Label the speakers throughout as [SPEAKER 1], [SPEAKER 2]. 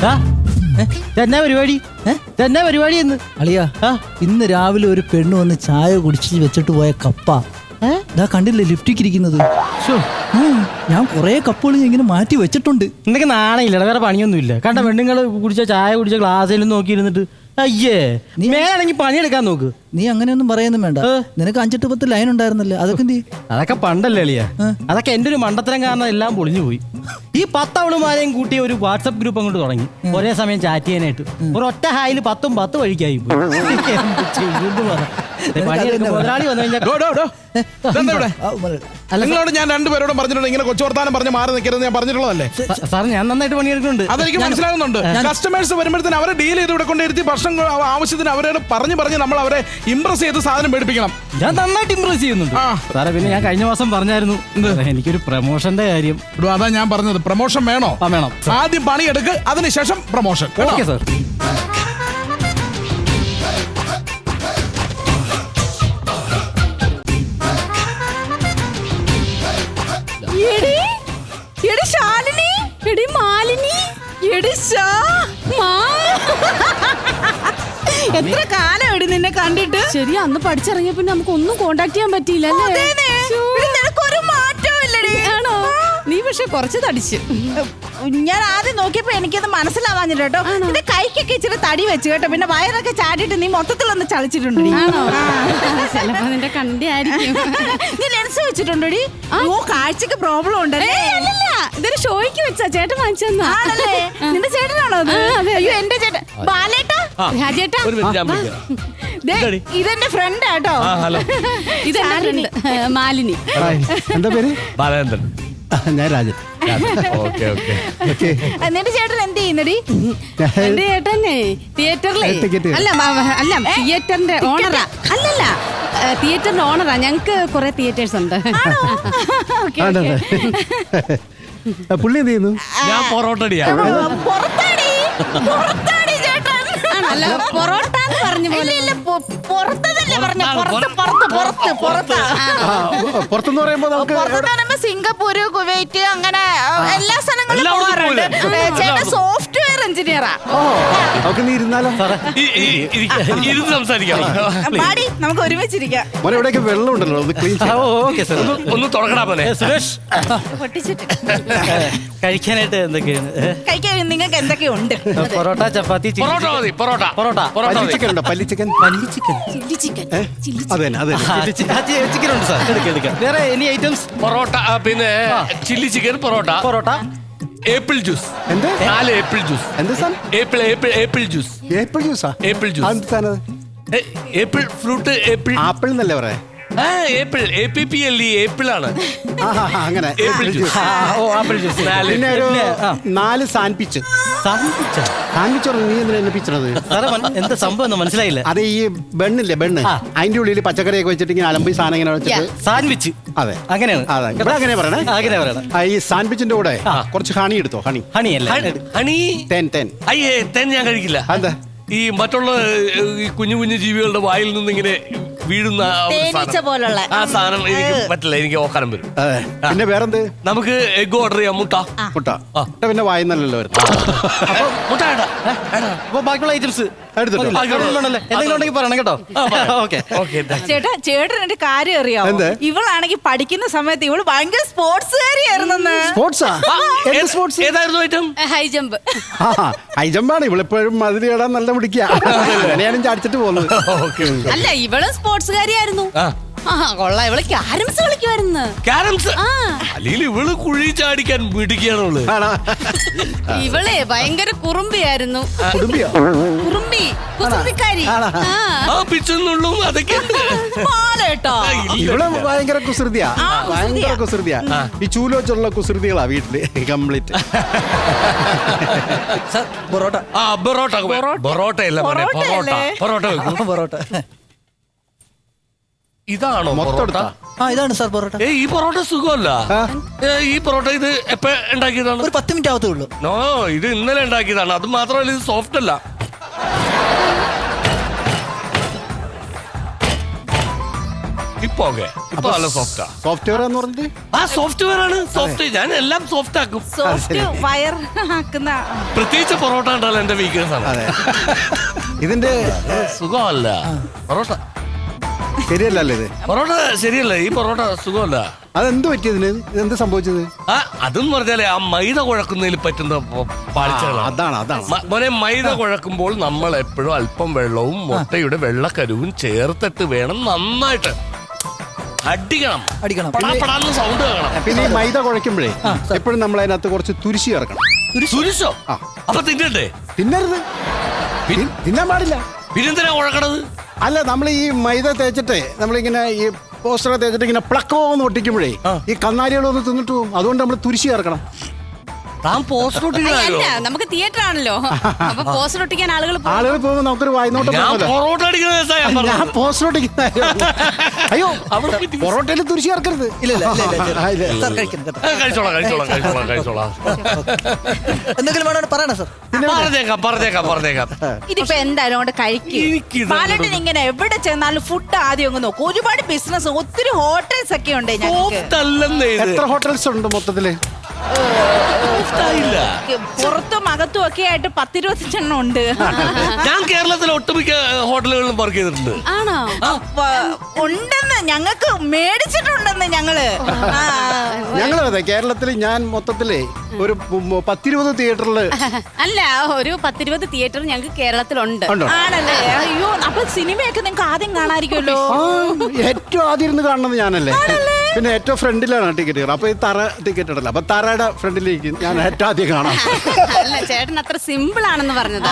[SPEAKER 1] എന്നാ പരിപാടി എന്നാ പരിപാടി എന്ന്
[SPEAKER 2] അളിയാ ഇന്ന് രാവിലെ ഒരു പെണ്ണ് വന്ന് ചായ കുടിച്ച് വെച്ചിട്ട് പോയ കപ്പ ഇതാ കണ്ടില്ലേ ലിഫ്റ്റിക്ക് ഇരിക്കുന്നത്. ഞാൻ കൊറേ കപ്പുകൾ ഇങ്ങനെ മാറ്റി വെച്ചിട്ടുണ്ട്.
[SPEAKER 1] നിനക്ക് നാണയില്ലടാ, വേറെ പണിയൊന്നുമില്ല. കണ്ട പെണ്ണുങ്ങൾ കുടിച്ച ചായ കുടിച്ച ഗ്ലാസ്സിലും നോക്കിയിരുന്നിട്ട് അയ്യേ നീ മേലാണെങ്കിൽ പണിയെടുക്കാൻ നോക്ക്.
[SPEAKER 2] നീ അങ്ങനെയൊന്നും പറയൊന്നും വേണ്ട. നിനക്ക് 5-10 ലൈൻ ഉണ്ടായിരുന്നല്ലേ, അതൊക്കെ എന്ത്?
[SPEAKER 1] അതൊക്കെ പണ്ടല്ലേ അളിയ. അതൊക്കെ എന്റെ ഒരു മണ്ടത്തരം കാരണം എല്ലാം പൊളിഞ്ഞു പോയി. ഈ 10 അവളുമാരെയും കൂട്ടി ഒരു വാട്സപ്പ് ഗ്രൂപ്പ് അങ്ങോട്ട് തുടങ്ങി ഒരേ സമയം ചാറ്റ് ചെയ്യാനായിട്ട്. ഒരു ഒറ്റ ഹായിൽ 10 വഴിക്കായി പോയി. മുതലാളി വന്നു കഴിഞ്ഞാൽ
[SPEAKER 3] നിങ്ങളോട് ഞാൻ രണ്ടുപേരോടും പറഞ്ഞിട്ടുണ്ട് ഇങ്ങനെ കൊച്ചുവർത്താനം പറഞ്ഞ് മാറി നിൽക്കരുത് ഞാൻ പറഞ്ഞിട്ടുള്ളതല്ലേ
[SPEAKER 1] സാർ? ഞാൻ നന്നായിട്ട് പണിയെടുക്കുന്നുണ്ട്,
[SPEAKER 3] അതെനിക്ക് മനസ്സിലാകുന്നുണ്ട്. കസ്റ്റമേഴ്സ് വരുമ്പോഴത്തേന് അവരെ ഡീൽ ചെയ്ത് ഇവിടെ കൊണ്ടിരുത്തി ഭക്ഷണം ആവശ്യത്തിന് അവരോട് പറഞ്ഞ് നമ്മൾ അവരെ ഇംപ്രസ് ചെയ്ത് സാധനം മേടിപ്പിക്കണം.
[SPEAKER 1] ഞാൻ നന്നായിട്ട് ഇംപ്രസ് ചെയ്യുന്നുണ്ട് സാറേ. പിന്നെ ഞാൻ കഴിഞ്ഞ മാസം പറഞ്ഞായിരുന്നു എനിക്കൊരു പ്രൊമോഷന്റെ കാര്യം.
[SPEAKER 3] അതാ ഞാൻ പറഞ്ഞത്, പ്രൊമോഷൻ വേണോ?
[SPEAKER 1] വേണം.
[SPEAKER 3] ആദ്യം പണിയെടുക്ക്, അതിനുശേഷം പ്രൊമോഷൻ.
[SPEAKER 1] Okay sir.
[SPEAKER 4] ശാലിനി, എടി മാലിനി, എടി എത്ര കാലം എടി നിന്നെ കണ്ടിട്ട്.
[SPEAKER 5] ശരി, അന്ന് പഠിച്ചിറങ്ങിയ പിന്നെ നമുക്ക് ഒന്നും കോണ്ടാക്ട് ചെയ്യാൻ പറ്റിയില്ല.
[SPEAKER 4] നിനക്കൊരു മാറ്റവും ഇല്ലടി.
[SPEAKER 5] ആണോ? നീ പക്ഷെ കുറച്ച് തടിച്ച്.
[SPEAKER 4] ഞാൻ ആദ്യം നോക്കിയപ്പോ എനിക്കത് മനസ്സിലാവാഞ്ഞില്ല കേട്ടോ. നിന്റെ കൈക്കൊക്കെ ഇച്ചിരി തടി വെച്ച് കേട്ടോ. പിന്നെ വയറൊക്കെ ചാടിയിട്ട് നീ മൊത്തത്തിലൊന്ന് ചളിച്ചിട്ടുണ്ട്.
[SPEAKER 5] ചിലപ്പോ നിന്റെ കണ്ടി ആയിരിക്കും.
[SPEAKER 4] നീ ലെൻസ് വെച്ചിട്ടുണ്ടോടി? ഓ, കാഴ്ചക്ക് പ്രോബ്ലം ഉണ്ടല്ലേ?
[SPEAKER 5] ഇതൊരു ഷോയ്ക്ക് വെച്ചാ ചേട്ടൻ വാങ്ങിച്ചെന്നാ.
[SPEAKER 4] ആണല്ലേ? നിന്റെ ചേട്ടനാണോ അത്? അയ്യോ, എന്റെ ചേട്ടൻ ബാലേട്ടാ,
[SPEAKER 5] രാജേട്ടാ.
[SPEAKER 4] ഇതെന്റെ ഫ്രണ്ട് ആട്ടോ.
[SPEAKER 5] ഇതെന്റെ ഫ്രണ്ട് മാലിനി.
[SPEAKER 2] എന്താ പേര്?
[SPEAKER 6] ബാലേന്ദ്രൻ.
[SPEAKER 2] ഞാൻ രാജൻ.
[SPEAKER 4] നിന്റെ ചേട്ടൻ എന്ത് ചെയ്യുന്നടി?
[SPEAKER 5] എന്റെ ചേട്ടനെ തിയേറ്ററിലെ അല്ല തിയേറ്ററിന്റെ ഓണറാ. അല്ലല്ല, തിയേറ്ററിന്റെ ഓണറാ. ഞങ്ങക്ക് കുറെ തിയേറ്റേഴ്സ് ഉണ്ട്.
[SPEAKER 2] പുള്ളി എന്ത് ചെയ്യുന്നു?
[SPEAKER 6] ഞാൻ പൊറോട്ടടിയാ.
[SPEAKER 5] അല്ല, പൊറോട്ട എന്ന് പറഞ്ഞ പോലെ.
[SPEAKER 2] പുറത്തെന്ന് പറയുമ്പോ
[SPEAKER 4] സിംഗപ്പൂര്, കുവൈറ്റ്, അങ്ങനെ എല്ലാ സ്ഥലങ്ങളിലും പോകാറുണ്ട്. ചേട്ടൻ സോഫ്റ്റ്വെയർ എഞ്ചിനീയറാ.
[SPEAKER 2] നീ ഇരുന്നാലോ?
[SPEAKER 6] ഇരുന്ന് സംസാരിക്കാം.
[SPEAKER 4] നമുക്ക് ഒരുമിച്ചിരിക്കാം.
[SPEAKER 2] ഇവിടെയൊക്കെ വെള്ളം ഉണ്ടല്ലോ,
[SPEAKER 6] ഒന്ന് തുടങ്ങടാ പോലെ.
[SPEAKER 1] സുരേഷ്, കഴിക്കാനായിട്ട് എന്തൊക്കെയാണ്?
[SPEAKER 4] കഴിക്കാൻ നിങ്ങൾക്ക് എന്തൊക്കെയുണ്ട്?
[SPEAKER 1] പൊറോട്ട, ചപ്പാത്തി,
[SPEAKER 6] പൊറോട്ട മതി. പൊറോട്ട
[SPEAKER 2] ചിക്കൻ ഉണ്ടോ? പല്ലി ചിക്കൻ.
[SPEAKER 1] ചിക്കൻ ഉണ്ട് സാർ. വേറെ എനി ഐറ്റംസ്?
[SPEAKER 6] പൊറോട്ട, പിന്നെ chilli chicken, parotta, apple juice. 4 apple juice.
[SPEAKER 2] എന്താ സാധനം?
[SPEAKER 6] Apple juice.
[SPEAKER 2] ഏപ്പിൾ ജ്യൂസാ?
[SPEAKER 6] Apple juice. Apple fruit.
[SPEAKER 2] Apple എന്നല്ലേ പറയാ?
[SPEAKER 6] ഏപ്പിൾ, APPLE, ഏപ്പിൾ ആണ്.
[SPEAKER 2] അങ്ങനെ
[SPEAKER 6] ഏപ്പിൾ ജ്യൂസ്.
[SPEAKER 1] Apple juice.
[SPEAKER 2] പിന്നെ ഒരു 4 സാൻഡ്വിച്ച്. സാൻഡ്വിച്ച് നീ എന്തിനാ എന്നെ പിച്ചണത്?
[SPEAKER 1] എന്താ സംഭവം മനസ്സിലായില്ല.
[SPEAKER 2] അത് ഈ ബണ്ണില്ലേ, ബണ്ണ്, അതിന്റെ ഉള്ളിൽ പച്ചക്കറിയൊക്കെ വെച്ചിട്ട് ഇങ്ങനെ അലമ്പി സാധനം ഇങ്ങനെ വെച്ചിട്ട്
[SPEAKER 1] സാൻഡ്വിച്ച്.
[SPEAKER 2] അതെ,
[SPEAKER 1] അങ്ങനെയാണ്.
[SPEAKER 2] അങ്ങനെ പറയണേ. ഈ സാൻഡ്വിച്ചിന്റെ കൂടെ കുറച്ച് ഹണി എടുത്തോ. ഹണി
[SPEAKER 6] തേൻ ഞാൻ കഴിക്കില്ല.
[SPEAKER 2] എന്താ?
[SPEAKER 6] ഈ മറ്റുള്ള കുഞ്ഞു കുഞ്ഞു ജീവികളുടെ വായിൽ നിന്ന് ഇങ്ങനെ വീഴുന്ന
[SPEAKER 4] പോലുള്ള
[SPEAKER 6] ആ സാധനം എനിക്ക് പറ്റില്ല, എനിക്ക് ഓക്കാനം വരും.
[SPEAKER 2] പിന്നെ വേറെന്ത്?
[SPEAKER 6] നമുക്ക് എഗ് ഓർഡർ ചെയ്യാം. മുട്ട
[SPEAKER 2] പിന്നെ വായുന്നല്ലോ.
[SPEAKER 6] മുട്ട
[SPEAKER 1] ബാക്കിയുള്ള ഐറ്റംസ് പറയണം കേട്ടോ.
[SPEAKER 4] ചേട്ടൻ എന്റെ കാര്യം അറിയാമോ? ഇവളാണെങ്കിൽ പഠിക്കുന്ന സമയത്ത് ഇവള് ഭയങ്കര സ്പോർട്സുകാരിയായിരുന്നു.
[SPEAKER 6] ഏതായിരുന്നു ഐറ്റം?
[SPEAKER 5] High jump.
[SPEAKER 2] ഹൈ ജമ്പാണ്. ഇവളിപ്പോഴും മതിരി ഇടാൻ നല്ല പിടിക്കുക. ഞാനും ചാടിച്ചിട്ട് പോകുന്നത്.
[SPEAKER 5] അല്ല, ഇവളും സ്പോർട്സുകാരിയായിരുന്നു. കൊള്ളാം. ഇവള് ക്യാരംസ് കളിക്കുമായിരുന്നു.
[SPEAKER 6] ക്യാരംസ്? അല്ലെങ്കിൽ ഇവള് കുഴി ചാടിക്കാൻ മിടിക്കുകയാണുള്ളു.
[SPEAKER 5] ഇവളെ ഭയങ്കര കുറുമ്പിയായിരുന്നു. കുസൃതിക്കാരി.
[SPEAKER 6] അതൊക്കെ
[SPEAKER 2] ഇവള് ഭയങ്കര കുസൃതിയാ. ഈ ചൂല് വെച്ചുള്ള കുസൃതികളാ വീട്ടില് കംപ്ലീറ്റ്.
[SPEAKER 6] പൊറോട്ട ഇതാണോ പൊറോട്ട?
[SPEAKER 2] ഇതാണ് സാർ പൊറോട്ട.
[SPEAKER 6] ഈ പൊറോട്ട സുഖമല്ല. ഈ പൊറോട്ട ഇത് എപ്പോ ഉണ്ടാക്കിയതാണ്?
[SPEAKER 2] ഒരു 10 മിനിറ്റ് ആവത്തേ ഉള്ളൂ.
[SPEAKER 6] നോ, ഇത് ഇന്നലെ ഉണ്ടാക്കിയതാണ്. അത് മാത്രമല്ല, ഇത് സോഫ്റ്റ് അല്ല. ഇപ്പൊ ഓക്കെ ഇപ്പൊ നല്ല സോഫ്റ്റാ.
[SPEAKER 7] സോഫ്റ്റ്വെയർ എന്ന് പറഞ്ഞിട്ട്
[SPEAKER 6] ആ സോഫ്റ്റ്വെയർ ആണ്. സോഫ്റ്റ് ഞാൻ എല്ലാം സോഫ്റ്റ് ആക്കും.
[SPEAKER 4] സോഫ്റ്റ് വയർ ആക്കുന്ന
[SPEAKER 6] പ്രത്യേകിച്ച് പൊറോട്ട ഉണ്ടല്ലോ എന്റെ വീക്ക്നെസ് ആണ്.
[SPEAKER 7] ഇതിന്റെ
[SPEAKER 6] സുഖമല്ല പൊറോട്ട.
[SPEAKER 7] ശരിയല്ലല്ലോ ഇത്.
[SPEAKER 6] പൊറോട്ട ശരിയല്ല. ഈ പൊറോട്ട സുഖമല്ല.
[SPEAKER 7] അതെന്ത് പറ്റിയതിന്? ഇതെന്ത് സംഭവിച്ചത്?
[SPEAKER 6] അതെന്ന് പറഞ്ഞാലേ ആ മൈദ കുഴക്കുന്നതിൽ പറ്റുന്ന പാളിച്ചകളാണ്.
[SPEAKER 7] അതാണ്
[SPEAKER 6] മോനെ, മൈദ കുഴക്കുമ്പോൾ നമ്മൾ എപ്പോഴും അല്പം വെള്ളവും മുട്ടയുടെ വെള്ളക്കരുവും ചേർത്തിട്ട് വേണം നന്നായിട്ട് അടിക്കണം. പടാപടാന്ന് സൗണ്ട് കേൾക്കണം.
[SPEAKER 7] പിന്നെ ഈ മൈദ കുഴയ്ക്കുമ്പോഴേ എപ്പോഴും നമ്മൾ അതിനകത്ത് കുറച്ച് തുരിശി ചേർക്കണം.
[SPEAKER 6] തുരിശോ? അപ്പൊ തിന്നണ്ടേ?
[SPEAKER 7] തിന്നരുത്, തിന്നാൻ പാടില്ല.
[SPEAKER 6] പിന്നെന്തിനാ കുഴക്കണത്?
[SPEAKER 7] അല്ല, നമ്മൾ ഈ മൈദ തേച്ചിട്ട് നമ്മളിങ്ങനെ ഈ പോസ്റ്ററൊക്കെ തേച്ചിട്ട് ഇങ്ങനെ പ്ലക്കോന്ന് ഒട്ടിക്കുമ്പോഴേ ഈ കന്നാലികളൊന്ന് തിന്നിട്ട് പോകും. അതുകൊണ്ട് നമ്മൾ തുരിശി ചേർക്കണം.
[SPEAKER 6] താൻ പോസ്റ്റർ ഒട്ടിക്കാനോ?
[SPEAKER 5] അല്ല, നമുക്ക് തിയേറ്റർ ആണല്ലോ, അപ്പൊ പോസ്റ്റർ ഒട്ടിക്കാൻ ആളുകൾ
[SPEAKER 7] പോകുമ്പോൾ നമുക്കൊരു വായ്നോട്ടം.
[SPEAKER 6] പൊറോട്ട അടിക്കുന്ന
[SPEAKER 7] ഞാൻ പോസ്റ്റർ ഒട്ടിക്കുന്ന അയ്യോ, പൊറോട്ടയിൽ തുരിശി ചേർക്കരുത്.
[SPEAKER 6] കഴിച്ചോളാം.
[SPEAKER 2] എന്തെങ്കിലും വേണോ പറയണ സാർ?
[SPEAKER 6] പറഞ്ഞേക്കാം.
[SPEAKER 4] ഇതിപ്പോ എന്തായാലും കൊണ്ട് കഴിക്കും. ബാലേട്ടൻ ഇങ്ങനെ എവിടെ ചെന്നാലും ഫുഡ് ആദ്യം അങ്ങ് നോക്കും. ഒരുപാട് ബിസിനസ്, ഒത്തിരി ഹോട്ടൽസ് ഒക്കെ ഉണ്ട് ഞങ്ങൾക്ക്.
[SPEAKER 7] എത്ര ഹോട്ടൽസ് ഉണ്ട് മൊത്തത്തില്?
[SPEAKER 4] പുറത്തും അകത്തും ഒക്കെ ആയിട്ട് 10-20 ഉണ്ട്.
[SPEAKER 6] ഞാൻ കേരളത്തിലെ ഒട്ടുമിക്ക ഹോട്ടലുകളിലും വർക്ക് ചെയ്തിട്ടുണ്ട്.
[SPEAKER 5] ആണോ?
[SPEAKER 4] ഉണ്ടെന്ന് ഞങ്ങൾക്ക് മേടിച്ചിട്ടുണ്ടെന്ന് ഞങ്ങള്.
[SPEAKER 7] അതെ, കേരളത്തിൽ ഞാൻ മൊത്തത്തില് ഒരു 10-20 തിയേറ്ററില്.
[SPEAKER 5] അല്ല, ഒരു 10-20 തിയേറ്റർ ഞങ്ങൾക്ക് കേരളത്തിലുണ്ട്.
[SPEAKER 4] ആണല്ലേ? അയ്യോ, അപ്പൊ സിനിമയൊക്കെ നിങ്ങൾക്ക് ആദ്യം കാണാതിരിക്കുമല്ലോ.
[SPEAKER 7] ഏറ്റവും ആദ്യം ഇരുന്ന് കാണുന്നത് ഞാനല്ലേ. പിന്നെ ഏറ്റവും ഫ്രണ്ടിലാണ് ടിക്കറ്റ് കയറുക. അപ്പൊ ഈ തറ ടിക്കറ്റ് ഇടല്ല. അപ്പൊ തറയുടെ ഫ്രണ്ടിലേക്ക് ഞാൻ ഏറ്റവും ആദ്യം കാണാം.
[SPEAKER 5] അല്ല, ചേട്ടൻ അത്ര സിമ്പിൾ ആണെന്ന് പറഞ്ഞത്.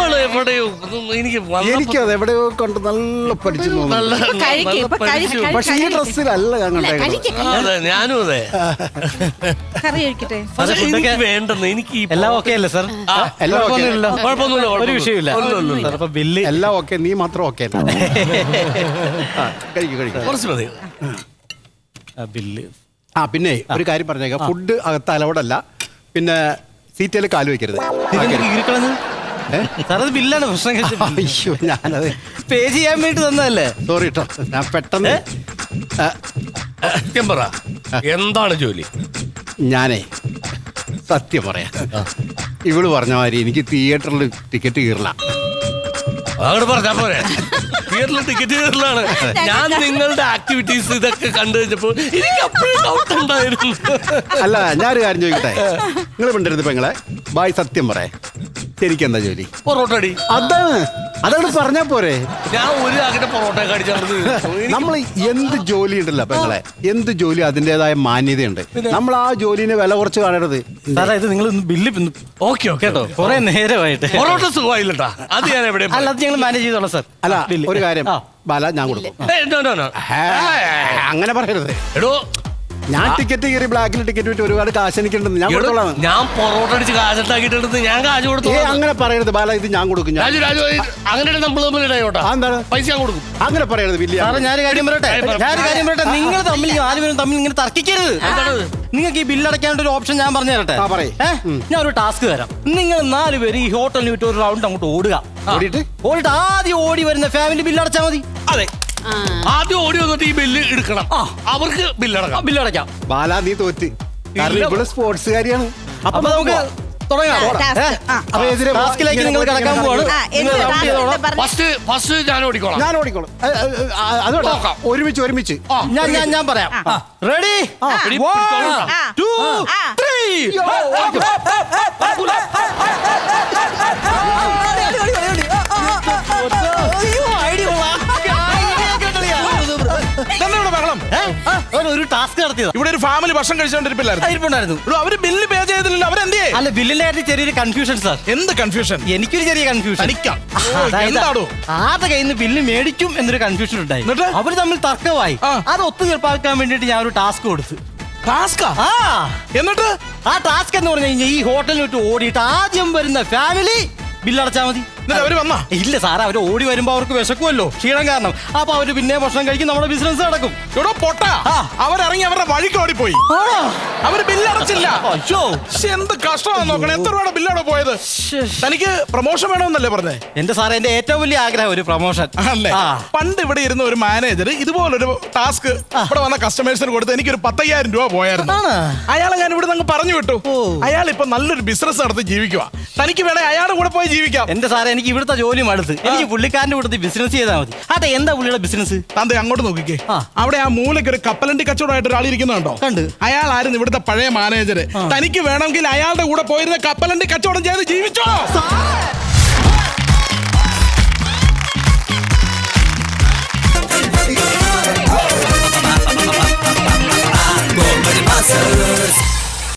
[SPEAKER 7] എനിക്കത് എവിടെയോ കണ്ട് നല്ല പഠിച്ചു തോന്നുന്നു. പക്ഷെ ഈ ഡ്രസ്സിലല്ല ഞാൻ കണ്ടേക്കുന്നത്.
[SPEAKER 6] ഞാനും അതെ.
[SPEAKER 4] കറി കഴിക്കട്ടെ?
[SPEAKER 6] വേണ്ടെന്ന് എനിക്ക്
[SPEAKER 1] എല്ലാം ഓക്കെ അല്ലേ സാർ?
[SPEAKER 6] കുഴപ്പമൊന്നുമില്ല.
[SPEAKER 1] ഒരു വിഷയമില്ല. ബില്ല്
[SPEAKER 7] എല്ലാം ഓക്കെ, നീ മാത്രം ഓക്കെ. കഴിക്കും.
[SPEAKER 6] കുറച്ച് മതി.
[SPEAKER 1] ബില്ല്.
[SPEAKER 7] പിന്നെ ഒരു കാര്യം പറഞ്ഞേക്കാം, ഫുഡ് അകത്ത് അലൗഡല്ല. പിന്നെ സീറ്റിൽ കാല് വെക്കരുത്.
[SPEAKER 1] സാറത് ബില്ലാണ് പ്രശ്നം.
[SPEAKER 7] അയ്യോ, ഞാനത്
[SPEAKER 1] പേ ചെയ്യാൻ വേണ്ടി തന്നതല്ലേ.
[SPEAKER 7] സോറി കേട്ടോ, ഞാൻ പെട്ടെന്ന്.
[SPEAKER 6] സത്യം പറ, എന്താണ് ജോലി?
[SPEAKER 7] ഞാനേ സത്യം പറയാം, ഇവള് പറഞ്ഞ മാതിരി എനിക്ക് തിയേറ്ററിൽ ടിക്കറ്റ് കീറില്ല.
[SPEAKER 6] അങ്ങോട്ട് പറഞ്ഞാ പോരെ. തിയേറ്ററിൽ ടിക്കറ്റ് കീറലാണ്. ഞാൻ നിങ്ങളുടെ ആക്ടിവിറ്റീസ് ഇതൊക്കെ കണ്ടു കഴിഞ്ഞപ്പോ എനിക്ക് അപ്പോഴും ഡൗട്ട് ഉണ്ടായിരുന്നു.
[SPEAKER 7] അല്ല, ഞാനൊരു കാര്യം ചോദിക്കട്ടെ, നിങ്ങൾ മിണ്ടരുത് പെങ്ങളെ. ബായ് സത്യം പറയേ, ശരിക്കും എന്താ ജോലി?
[SPEAKER 6] പൊറോട്ട അടി.
[SPEAKER 7] അതോട് പറഞ്ഞാ പോരെ.
[SPEAKER 6] ഞാൻ ഒരു ആകട്ടെ പൊറോട്ട കടിച്ചു.
[SPEAKER 7] നമ്മൾ എന്ത് ജോലി ഉണ്ടല്ലോ പെങ്ങളെ, എന്ത് ജോലി അതിൻ്റെതായ മാന്യതയുണ്ട്. നമ്മൾ ആ ജോലിനെ വില കുറച്ച് കാണരുത്.
[SPEAKER 1] സാറേ, ഇത് നിങ്ങൾ ബില്ല്
[SPEAKER 6] ഓക്കെ കേട്ടോ.
[SPEAKER 1] കുറെ നേരമായിട്ട്
[SPEAKER 6] പൊറോട്ട സുഖമായില്ലട്ടാ. അത് ഞാൻ എവിടെ
[SPEAKER 1] അല്ല, അത് ഞങ്ങൾ മാനേജ് ചെയ്തോളാം സാർ.
[SPEAKER 7] അല്ല, ഒരു കാര്യം ബാല, ഞാൻ കൊടുക്കും. അങ്ങനെ പറയരുത്.
[SPEAKER 6] എടോ,
[SPEAKER 7] ഞാൻ ടിക്കറ്റ് കയറി ബ്ലാക്കിൽ ടിക്കറ്റ് വിറ്റ് ഒരുപാട് കാശ് എനിക്കുണ്ടെന്ന് ഞാൻ കൊടുത്തോളാം.
[SPEAKER 6] ഞാൻ പൊറോട്ട അടിച്ച് കാശത്താക്കിട്ടെടുത്ത് ഞാൻ കാശ് കൊടുത്തു.
[SPEAKER 7] അങ്ങനെ പറയരുത് ബാല, ഇത് ഞാൻ കൊടുക്കും.
[SPEAKER 6] അങ്ങനെ നമ്മൾ
[SPEAKER 7] എന്താണ്
[SPEAKER 6] പൈസ ഞാൻ കൊടുക്കും.
[SPEAKER 7] അങ്ങനെ പറയരുത്.
[SPEAKER 1] സാറേ, ഞാനൊരു കാര്യം പറയട്ടെ. നിങ്ങൾ തമ്മിൽ ആരും തമ്മിൽ ഇങ്ങനെ തർക്കിക്കരുത്. നിങ്ങൾക്ക് ഈ ബില്ലടയ്ക്കാനുള്ള ഒരു ഓപ്ഷൻ ഞാൻ പറഞ്ഞു തരട്ടെ. ഞാൻ ഒരു ടാസ്ക് തരാം. നിങ്ങൾ 4 പേര് ഈ ഹോട്ടലിൽ വിട്ട് ഒരു റൗണ്ട് അങ്ങോട്ട് ഓടുക. ഓടിയിട്ട് ആദ്യം ഓടി വരുന്ന ഫാമിലി ബില്ലടച്ചാൽ മതി.
[SPEAKER 6] അതെ, ആദ്യം ഓടി വന്നിട്ട് ഈ ബില്ല് എടുക്കണം. അവർക്ക് ബില്ലടക്കാം.
[SPEAKER 7] ബാല, നീ തോറ്റ്. കാരണം ഇവിടെ സ്പോർട്സുകാരിയാണ്.
[SPEAKER 1] അപ്പൊ നമുക്ക് തുടങ്ങാം. ടാസ്കിലേക്ക് നിങ്ങൾ കിടക്കാൻ പോവാണ്.
[SPEAKER 6] ഫസ്റ്റ് ഞാൻ ഓടിക്കോളാം.
[SPEAKER 7] അതോടെ ഒരുമിച്ച്
[SPEAKER 1] ഞാൻ പറയാം. റെഡി, 1, 2, 3. ഒരു ടാസ്ക് നടത്തിയത്.
[SPEAKER 3] ഇവിടെ ഒരു ഫാമിലി ഭക്ഷണം കഴിച്ചോണ്ടിരിപ്പില്ലായിരുന്നു. അവര് ബില്ല് പേ ചെയ്തില്ല. അവരെന്തേ?
[SPEAKER 1] അല്ല, ബില്ലിന്റെ കാര്യത്തിൽ ചെറിയൊരു കൺഫ്യൂഷൻ സാർ.
[SPEAKER 3] എന്ത് കൺഫ്യൂഷൻ?
[SPEAKER 1] എനിക്കൊരു ചെറിയ കൺഫ്യൂഷൻ. ആരുടെ കയ്യിൽ നിന്ന് ബില്ല് മേടിക്കും എന്നൊരു കൺഫ്യൂഷൻ ഉണ്ടായി. അവര് തമ്മിൽ തർക്കമായി. അത് ഒത്തുതീർപ്പാക്കാൻ വേണ്ടിട്ട് ഞാൻ ഒരു ടാസ്ക് കൊടുത്തു.
[SPEAKER 3] എന്നിട്ട്
[SPEAKER 1] ആ ടാസ്ക് എന്ന് പറഞ്ഞു കഴിഞ്ഞാൽ ഈ ഹോട്ടലിൽ വിട്ട് ഓടിയിട്ട് ആദ്യം വരുന്ന ഫാമിലി ബില്ലടച്ചാൽ മതി.
[SPEAKER 3] എന്നിട്ട് അവര് വന്നാ?
[SPEAKER 1] ഇല്ല സാറേ, അവര് ഓടി വരുമ്പോ അവർക്ക് വിശക്കുമല്ലോ, ക്ഷീണം കാരണം. അപ്പൊ അവര് പിന്നെ ഭക്ഷണം കഴിക്കും, നമ്മുടെ ബിസിനസ് നടക്കും.
[SPEAKER 3] ഇവിടെ പൊട്ട അവരിറങ്ങി അവരുടെ വഴിക്ക് ഓടിപ്പോയി. അവര് ബില്ലടച്ചില്ല.
[SPEAKER 1] അയ്യോ,
[SPEAKER 3] എന്ത് കഷ്ടമാണെന്ന് നോക്കണം. എത്ര രൂപയുടെ ബില്ലാണ് പോയത്? തനിക്ക് പ്രൊമോഷൻ വേണമെന്നല്ലേ പറഞ്ഞേ?
[SPEAKER 1] എന്റെ സാറേ, എന്റെ ഏറ്റവും വലിയ ആഗ്രഹം ഒരു പ്രൊമോഷൻ.
[SPEAKER 3] അല്ലേ? പണ്ട് ഇവിടെ ഇരുന്ന ഒരു മാനേജർ ഇതുപോലൊരു ടാസ്ക് ഇവിടെ വന്ന കസ്റ്റമേഴ്സിന് കൊടുത്ത് എനിക്കൊരു 10,000 രൂപ പോയായിരുന്നു. അയാളെ ഞാൻ ഇവിടെ നിന്ന് പറഞ്ഞു വിട്ടു. അയാൾ ഇപ്പൊ നല്ലൊരു ബിസിനസ് നടത്തി ജീവിക്കുക. തനിക്ക് വേണേ അയാളുടെ കൂടെ പോയി ജീവിക്കാം.
[SPEAKER 1] എന്റെ സാറേ, എനിക്ക് ഇവിടുത്തെ ജോലി മടുത്ത്. എനിക്ക് പുള്ളിക്കാരന്റെ കൂടെ ബിസിനസ് ചെയ്താൽ മതി. അതെ, എന്താ പുള്ളിയുടെ ബിസിനസ്?
[SPEAKER 3] താന്തെ അങ്ങോട്ട് നോക്കിക്കേ. അവിടെ ആ മൂലയ്ക്ക് ഒരു കപ്പലണ്ടി കച്ചവടമായിട്ട് ഒരാൾ ഇരിക്കുന്നുണ്ടോ?
[SPEAKER 1] കണ്ട്.
[SPEAKER 3] അയാളായിരുന്നു ഇവിടുത്തെ പഴയ മാനേജർ. തനിക്ക് വേണമെങ്കിൽ അയാളുടെ കൂടെ പോയിരുന്ന കപ്പലണ്ടി കച്ചവടം ചെയ്ത് ജീവിച്ചോ.